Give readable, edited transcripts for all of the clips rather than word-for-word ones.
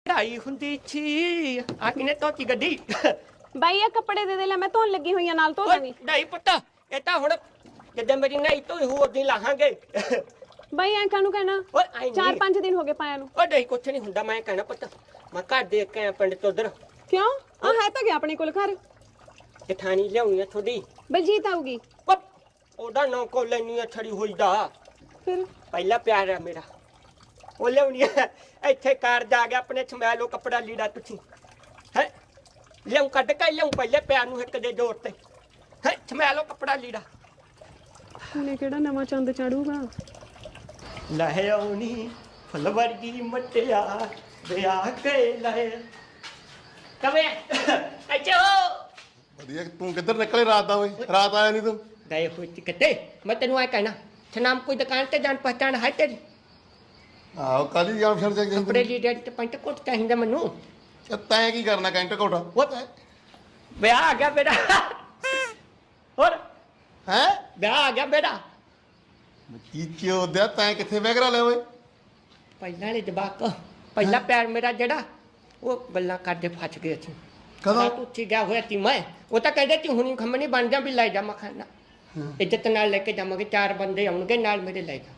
ਢਾਈ ਹੁੰਦੀ ਛੀ ਆ ਕਿਨੇ ਧੋਤੀ ਗੱਡੀ ਬਾਈ ਇਹ ਕੱਪੜੇ ਦੇ ਲੈ ਮੈਂ ਧੋਣ ਲੱਗੀ ਹੋਈ ਆ ਨਾਲ ਧੋ ਦੇਵੀਂ ਢਾਈ ਪੁੱਤ ਇਹ ਤਾਂ ਹੁਣ ਜਦੋਂ ਮੇਰੀ ਨਹੀਂ ਧੋਈ ਹੋ ਉਦੋਂ ਲਾਹਾਂਗੇ ਬਾਈ ਐਂ ਕਾਹਨੂੰ ਕਹਿਣਾ ਓਏ ਆਈ 4-5 ਦਿਨ ਹੋ ਗਏ ਪਾਇਆ ਨੂੰ ਓ ਢਾਈ ਕੁਛ ਨਹੀਂ ਹੁੰਦਾ ਮੈਂ ਕਹਿਣਾ ਪੁੱਤ ਮੈਂ ਘਰ ਦੇਖ ਕੇ ਆ ਪਿੰਡ ਤੋਂ ਉਧਰ ਕਿਉਂ ਆ ਹੈ ਤਾਂ ਗਿਆ ਆਪਣੇ ਕੋਲ ਘਰ ਜਠਾਣੀ ਲਿਆਉਣੀ ਆ ਥੋੜੀ ਬਲਜੀਤ ਆਊਗੀ ਉਹਦਾ ਨਾਂ ਕੋ ਲੈਣੀ ਆ ਛੜੀ ਹੋਈ ਦਾ ਫਿਰ ਪਹਿਲਾ ਪਿਆਰ ਹੈ ਮੇਰਾ ਉਹ ਲਿਆਉਣੀ ਆ ਇੱਥੇ ਕਾਰ ਜਾ ਗਿਆ ਆਪਣੇ ਸਮੈ ਲੋ ਕੱਪੜਾ ਲੀੜਾ ਤੁਸੀਂ ਹੈ ਲਿਆਉਂ ਕੱਢ ਕੇ ਲਿਆਉਂ ਪਹਿਲੇ ਪਿਆਰ ਨੂੰ ਇੱਕ ਦੇ ਜ਼ੋਰ ਤੇ ਹੈ ਸਮੈ ਲੋ ਕੱਪੜਾ ਲੀੜਾ ਉਹਨੇ ਕਿਹੜਾ ਨਵਾਂ ਚੰਦ ਚਾੜੂਗਾ ਲਹਿ ਆਉਣੀ ਫੁੱਲ ਵਰਗੀ ਮਟਿਆ ਵਿਆਹ ਕੇ ਲੈ ਕਵੇ ਅੱਛਾ ਵਧੀਆ ਤੂੰ ਕਿੱਧਰ ਨਿਕਲੇ ਰਾਤ ਦਾ ਓਏ ਰਾਤ ਆਇਆ ਨਹੀਂ ਤੂੰ ਗਏ ਹੋਏ ਕਿਤੇ ਮੈਂ ਤੈਨੂੰ ਆ ਕਹਿਣਾ ਛਨਾਮ ਕੋਈ ਦੁਕਾਨ ਤੇ ਜਾਣ ਪਛਾਣ ਹੈ ਤੇਰੀ ਆਹ ਕਾਲੀ ਜਾਮ ਫਿਰ ਜਾ ਕੱਪੜੇ ਲੀੜੇ ਤੇ ਪੈਂਟ ਕੋਟ ਚਾਹੀਦਾ ਮੈਨੂੰ ਤੈਂ ਕੀ ਕਰਨਾ ਕੈਂਟ ਕੋਟਾ ਉਹ ਵਿਆਹ ਆ ਗਿਆ ਬੇਟਾ ਹੋਰ ਹੈ ਵਿਆਹ ਆ ਗਿਆ ਬੇਟਾ ਕੀ ਚੋਦਿਆ ਤੈਂ ਕਿੱਥੇ ਵਗਰਾ ਲਿਆ ਓਏ ਪਹਿਲਾਂ ਵਾਲੇ ਜਵਾਕ ਪਹਿਲਾ ਪਿਆਰ ਮੇਰਾ ਜਿਹੜਾ ਉਹ ਗੱਲਾਂ ਕਰਦੇ ਫਸ ਗਏ ਸੀ ਕਦੋਂ ਤੂੰ ਉੱਚੀ ਗਿਆ ਹੋਇਆ ਸੀ ਮੈਂ ਉਹ ਤਾਂ ਕਹਿੰਦੇ ਸੀ ਹੁਣੀ ਖੰਮਣੀ ਬਣ ਜਾ ਵੀ ਲੈ ਜਾ ਮਖਾਨਾ ਇੱਜ਼ਤ ਨਾਲ ਲੈ ਕੇ ਜਾਵਾਂਗੇ 4 ਬੰਦੇ ਆਉਣਗੇ ਨਾਲ ਮੇਰੇ ਲੈ ਜਾਵਾਂਗੇ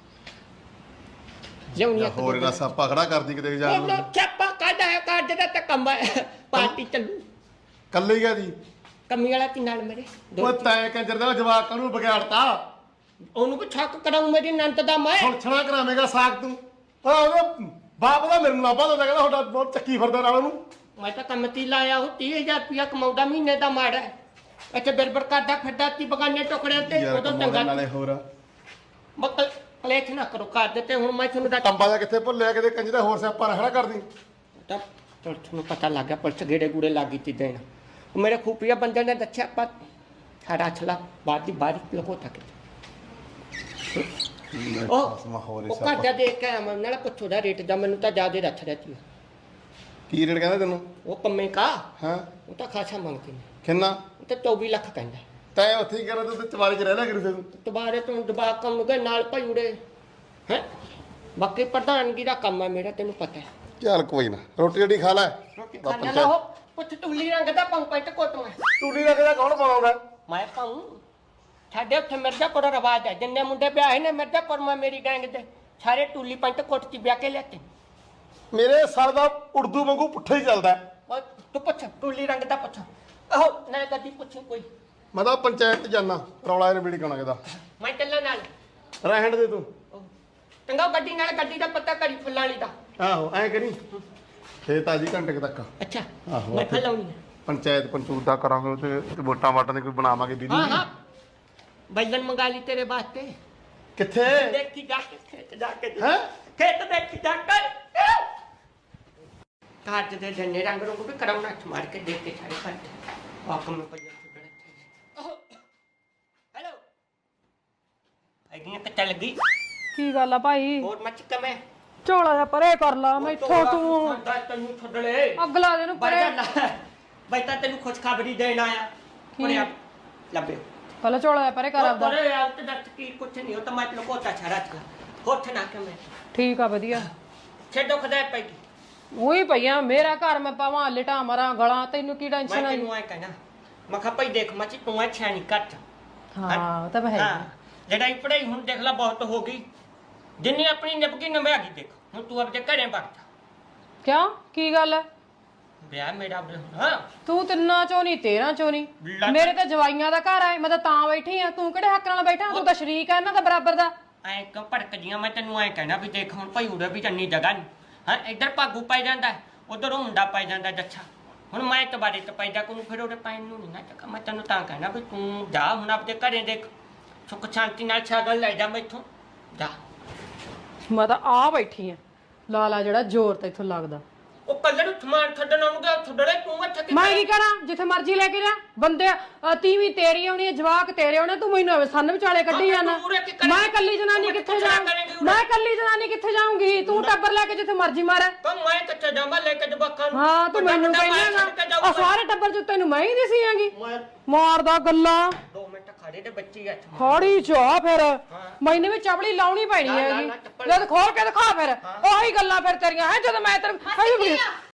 ਲਿਆਉਣੀ ਹੋਰ ਇਹਨਾਂ ਸਾਪਾ ਖੜਾ ਕਰਦੀ ਕਿਤੇ ਜਾ ਉਹ ਚੱਪਾ ਕਾਢਾ ਹੈ ਕਾਢ ਦਾ ਤਾਂ ਕੰਮ ਹੈ ਪਾਰਟੀ ਚੱਲੂ ਕੱਲੇ ਗਿਆ ਜੀ ਕੰਮੀ ਵਾਲਾ ਤੀ ਨਾਲ ਮੇਰੇ ਓਏ ਤੈਂ ਕੰਜਰ ਦਾ ਜਵਾਕ ਨੂੰ ਵਿਗਾੜਤਾ ਉਹਨੂੰ ਕੋ ਛੱਕ ਕਰਾਉ ਮੇਰੀ ਨੰਤ ਦਾ ਮੈਂ ਹੁਣ ਛਣਾ ਕਰਾਵੇਂਗਾ ਸਾਖ ਤੂੰ ਆ ਉਹਦਾ ਬਾਪ ਦਾ ਮੇਰੇ ਨੂੰ ਲਾਭਾ ਦਿੰਦਾ ਕਹਿੰਦਾ ਤੁਹਾਡਾ ਬਹੁਤ ਚੱਕੀ ਫਿਰਦਾ ਨਾਲ ਉਹਨੂੰ ਮੈਂ ਤਾਂ ਕੰਮ ਤੀ ਲਾਇਆ ਉਹ 30000 ਰੁਪਇਆ ਕਮਾਉਂਦਾ ਮਹੀਨੇ ਦਾ ਮਾੜਾ ਇੱਥੇ ਬਿਰਬਰ ਕਰਦਾ ਫਿਰਦਾ ਤੀ ਬਗਾਨੇ ਟੁਕੜਿਆਂ ਤੇ ਯਾਰ ਉਦੋਂ ਕਮਾਉਣ ਚੰਗਾ ਨਾਲੇ ਹੋਰ ਮੱਕਲ ਕਲੇਸ਼ ਨਾ ਕਰੋ ਕਰ ਦਿੱਤੇ ਹੁਣ ਮੈਂ ਤੁਹਾਨੂੰ ਟੰਬਾ ਦਾ ਕਿੱਥੇ ਭੁੱਲਿਆ ਕਿਤੇ ਕੰਜ ਦਾ ਹੋਰ ਸਿਆਪਾ ਨਾ ਖੜਾ ਕਰਦੀ ਤਾਂ ਪੁਲਿਸ ਨੂੰ ਪਤਾ ਲੱਗ ਗਿਆ ਪੁਲਿਸ ਗੇੜੇ ਗੂੜੇ ਲੱਗੀ ਤੀ ਦੇਣ ਉਹ ਮੇਰੇ ਖੂਪੀਆ ਬੰਦੇ ਨੇ ਦੱਸਿਆ ਆਪਾਂ ਸਾਡਾ ਅਛਲਾ ਬਾਅਦ ਦੀ ਬਾਰਿਸ਼ ਲਗੋ ਤੱਕ ਉਹ ਘਰ ਦੇਖ ਕੇ ਆਵਾਂ ਨਾਲ ਪੁੱਛੋ ਦਾ ਰੇਟ ਦਾ ਮੈਨੂੰ ਤਾਂ ਜ਼ਿਆਦਾ ਰੱਖ ਰਹੀ ਕੀ ਰੇਟ ਕਹਿੰਦਾ ਤੈਨੂੰ ਉਹ ਪੰਮੇ ਕਾ ਹਾਂ ਉਹ ਤਾਂ ਖਾਸਾ ਮੰਗਦੇ ਨੇ ਕਿੰਨਾ ਉਹ ਤਾਂ 24 ਲੱਖ ਕਹਿੰਦਾ ਤੈਂ ਉੱਥੇ ਹੀ ਕਰਾਂ ਤੂੰ ਚਵਾਰੇ 'ਚ ਰਹਿ ਲਿਆ ਕਰੀ ਤੂੰ ਦੁਬਾਰੇ ਤੋਂ ਦਬਾ ਕੰਮ ਗਏ ਨਾਲ ਭਾਈ ਉੜੇ ਹੈ ਬਾਕੀ ਪ੍ਰਧਾਨਗੀ ਦਾ ਕੰਮ ਹੈ ਮੇਰਾ ਤੈਨੂੰ ਪਤਾ ਹੈ ਚੱਲ ਕੋਈ ਨਾ ਰੋਟੀ ਜਿਹੜੀ ਖਾ ਲੈ ਰੋਟੀ ਖਾਣਾ ਨਾ ਹੋ ਪੁੱਛ ਟੁੱਲੀ ਰੰਗ ਦਾ ਪਾਉਂ ਪੈਂਟ ਕੋਟ ਮੈਂ ਟੂਲੀ ਰੱਖਦਾ ਕੌਣ ਪਾਉਂਦਾ ਮੈਂ ਪਾਉਂ ਸਾਡੇ ਉੱਥੇ ਮਿਰਜ਼ਾਪੁਰ ਰਵਾਜ ਹੈ ਜਿੰਨੇ ਮੁੰਡੇ ਵਿਆਹੇ ਨੇ ਮਿਰਜ਼ਾਪੁਰ ਮੈਂ ਮੇਰੀ ਗੈਂਗ ਦੇ ਸਾਰੇ ਟੁੱਲੀ ਪੈਂਟ ਕੋਟ ਚ ਵਿਆਹ ਕੇ ਲਿਆਤੇ ਮੇਰੇ ਸਰ ਦਾ ਉਰਦੂ ਵਾਂਗੂ ਪੁੱਠਾ ਹੀ ਚੱਲਦਾ ਓਏ ਤੂੰ ਪੁੱਛ ਟੁੱਲੀ ਰੰਗ ਦਾ ਪੁੱਛ ਆਹੋ ਨਾ ਕਦੀ ਪੁੱਛ ਕੋਈ ਮੈਂ ਤਾਂ ਪੰਚਾਇਤ ਜਾਣਾ ਰੌਲਾ ਇਹਨੇ ਬੀੜੀ ਕਾਣਾ ਕਿਦਾ ਮੈਂ ਚੱਲਾਂ ਨਾਲ ਰਹਿਣ ਦੇ ਤੂੰ ਚੰਗਾ ਗੱਡੀ ਨਾਲ ਗੱਡੀ ਦਾ ਪਤਾ ਕਰੀ ਫੁੱਲਾਂ ਵਾਲੀ ਦਾ ਆਹੋ ਐ ਕਰੀ ਫੇਰ ਤਾਜੀ ਘੰਟੇ ਤੱਕ ਅੱਛਾ ਆਹੋ, ਮੈਂ ਫਲਾਉਣੀ ਪੰਚਾਇਤ ਪੰਚੂਤ ਦਾ ਕਰਾਂਗੇ ਤੇ ਵੋਟਾਂ ਵਾਟਾਂ ਦੇ ਕੋਈ ਬਣਾਵਾਂਗੇ ਦੀਦੀ ਹਾਂ ਹਾਂ ਬੈਲਨ ਮੰਗਾ ਲਈ ਤੇਰੇ ਵਾਸਤੇ ਕਿੱਥੇ ਦੇਖੀ ਜਾ ਕੇ ਖੇਤ ਜਾ ਕੇ ਹੈ ਖੇਤ ਦੇਖੀ ਜਾ ਕਰ ਕਾਟ ਦੇ ਜੰਨੇ ਰੰਗ ਨੂੰ ਵੀ ਕਰਾਉਣਾ ਮਾਰ ਕੇ ਦੇਖ ਕੇ ਸਾਰੇ ਫੜ ਆਕਮ ਨੂੰ ਪਈਆ ਹੈਲੋ ਆਈਆਂ ਕੱਟਾ ਲੱਗੀ ਕੀ ਗੱਲ ਆ ਭਾਈ ਹੋਰ ਮੱਚ ਕਮੇ ਝੋਲਾ ਜਿਹਾ ਪਰੇ ਕਰ ਲਾ ਮੈਥੋਂ ਤੂੰ ਤੈਨੂੰ ਛੱਡਲੇ ਅਗਲਾ ਦੇ ਨੂੰ ਪਰੇ ਬਈ ਤਾਂ ਤੈਨੂੰ ਖੁਸ਼ਖਬਰੀ ਦੇਣ ਆਇਆ ਪਰੇ ਲੱਭੇ ਪਹਿਲਾਂ ਝੋਲਾ ਜਿਹਾ ਪਰੇ ਕਰ ਆਪਦਾ ਪਰੇ ਯਾਰ ਤੇ ਦੱਸ ਕੀ ਕੁਛ ਨਹੀਂ ਉਹ ਤਾਂ ਮੈਂ ਤੈਨੂੰ ਕੋਤਾ ਛੜਾ ਚਲਾ ਹੋਠ ਨਾ ਕੇ ਮੈਂ ਠੀਕ ਆ ਵਧੀਆ ਛੱਡੋ ਖਦਾਇ ਪਈ ਉਹੀ ਪਈਆਂ ਮੇਰਾ ਘਰ ਮੈਂ ਪਾਵਾਂ ਲਿਟਾ ਮਰਾਂ ਗਲਾਂ ਤੈਨੂੰ ਕੀ ਟੈਨਸ਼ਨ ਮੈਂ ਆਈ ਤੈਨੂੰ ਆਏ ਕਹਿਣਾ ਮੈਂ ਕਿਹਾ ਭਾਈ ਦੇਖ ਮੱਚੀ ਤੂੰ ਆ ਛਾਣੀ ਕੱਟ ਹਾਂ ਉਹ ਤਾਂ ਹੈ ਹਾਂ ਲੜਾਈ ਪੜਾਈ ਹੁਣ ਦੇਖ ਲੈ ਬਹੁਤ ਹੋ ਗਈ ਜਿੰਨੀ ਆਪਣੀ ਨਿਭਗੀ ਨਵੇਂ ਆ ਗਈ ਦੇਖ ਹੁਣ ਤੂੰ ਆਪਣੇ ਘਰੇ ਵਗ ਜਾ ਕਿਉਂ ਕੀ ਗੱਲ ਹੈ ਵਿਆਹ ਮੇਰਾ ਹਾਂ ਤੂੰ ਤਿੰਨਾਂ ਚੋਂ ਨਹੀਂ 13 ਚੋਂ ਨਹੀਂ ਮੇਰੇ ਤਾਂ ਜਵਾਈਆਂ ਦਾ ਘਰ ਆ ਮੈਂ ਤਾਂ ਬੈਠੀ ਆ ਤੂੰ ਕਿਹੜੇ ਹੱਕ ਨਾਲ ਬੈਠਾ ਤੂੰ ਤਾਂ ਸ਼ਰੀਕ ਆ ਇਹਨਾਂ ਦਾ ਬਰਾਬਰ ਦਾ ਐ ਕਿਉਂ ਭੜਕਦੀਆਂ ਮੈਂ ਤੈਨੂੰ ਐ ਕਹਿਣਾ ਵੀ ਦੇਖ ਹੁਣ ਭਾਈ ਉਰੇ ਵੀ ਚੰਨੀ ਜਗ੍ਹਾ ਨਹੀਂ ਹਾਂ ਇੱਧਰ ਭਾਗੂ ਪੈ ਜਾਂਦਾ ਉਧਰ ਮੁੰਡਾ ਪੈ ਜਾਂਦਾ ਜੱਛਾ ਹੁਣ ਮੈਂ ਤਬਾਰੇ ਤੇ ਪੈਦਾ ਕੋਨੂੰ ਫਿਰ ਉਹਦੇ ਪੈਣ ਨੂੰ ਨਹੀਂ ਨਾ ਚੱਕਾ ਮੈਂ ਤੈਨੂੰ ਤਾਂ ਕਹਿਣਾ ਵੀ ਤੂੰ ਜਾ ਹੁਣ ਆਪਣੇ ਘਰੇ ਦੇਖ ਸੁੱਖ ਸ਼ਾਂਤੀ ਨਾਲ ਛਾਗਲ ਲੈ ਜਾ ਮੈਥੋਂ ਜਾ ਮੈਂ ਤਾਂ ਆ ਬੈਠੀ ਆ ਲਾਲਾ ਜਿਹੜਾ ਜ਼ੋਰ ਤੇ ਇੱਥੋਂ ਲੱਗਦਾ ਉਹ ਕੱਲੇ ਨੂੰ ਸਮਾਨ ਛੱਡਣ ਆਉਣਗੇ ਛੱਡੜੇ ਤੂੰ ਇੱਥੇ ਮੈਂ ਕੀ ਕਰਾਂ ਜਿੱਥੇ ਮਰਜ਼ੀ ਲੈ ਕੇ ਜਾ ਬੰਦੇ ਤੀਵੀਂ ਤੇਰੀ ਆਉਣੀ ਹੈ ਜਵਾਕ ਤੇਰੇ ਆਉਣੇ ਤੂੰ ਮੈਨੂੰ ਸੰਨ ਵਿਚਾਲੇ ਕੱਢੀ ਜਾਣਾ ਮੈਂ ਕੱਲੀ ਜਨਾਨੀ ਕਿੱਥੇ ਜਾਵਾਂ ਮੈਂ ਕੱਲੀ ਜਨਾਨੀ ਕਿੱਥੇ ਜਾਊਂਗੀ ਤੂੰ ਟੱਬਰ ਲੈ ਕੇ ਜਿੱਥੇ ਮਰਜ਼ੀ ਮਾਰ ਤਾਂ ਮੈਂ ਕਿੱਥੇ ਜਾਵਾਂ ਲੈ ਕੇ ਜਵਾਕਾਂ ਨੂੰ ਹਾਂ ਤੂੰ ਮੈਨੂੰ ਕਹਿੰਦਾ ਆ ਸਾਰੇ ਟੱਬਰ ਚ ਤੈਨੂੰ ਮੈਂ ਹੀ ਦਿਸੀ ਆਂਗੀ ਮਾਰਦਾ ਗੱਲਾਂ 2 ਮਿੰਟ ਖੜ ਸਾਰੇ ਦੇ ਬੱਚੇ ਆ ਖੜੀ ਜਾ ਫਿਰ ਮੈਨੂੰ ਵੀ ਚਪਲੀ ਲਾਉਣੀ ਪੈਣੀ ਲਾ, ਲਾ, ਹੈਗੀ ਲਾ, ਚੱਪਲ। ਜਦ ਖੋਲ ਕੇ ਦਿਖਾ ਫਿਰ ਉਹੀ ਗੱਲਾਂ ਫਿਰ ਤੇਰੀਆਂ ਹੈ ਜਦੋਂ ਮੈਂ ਤੇਰੇ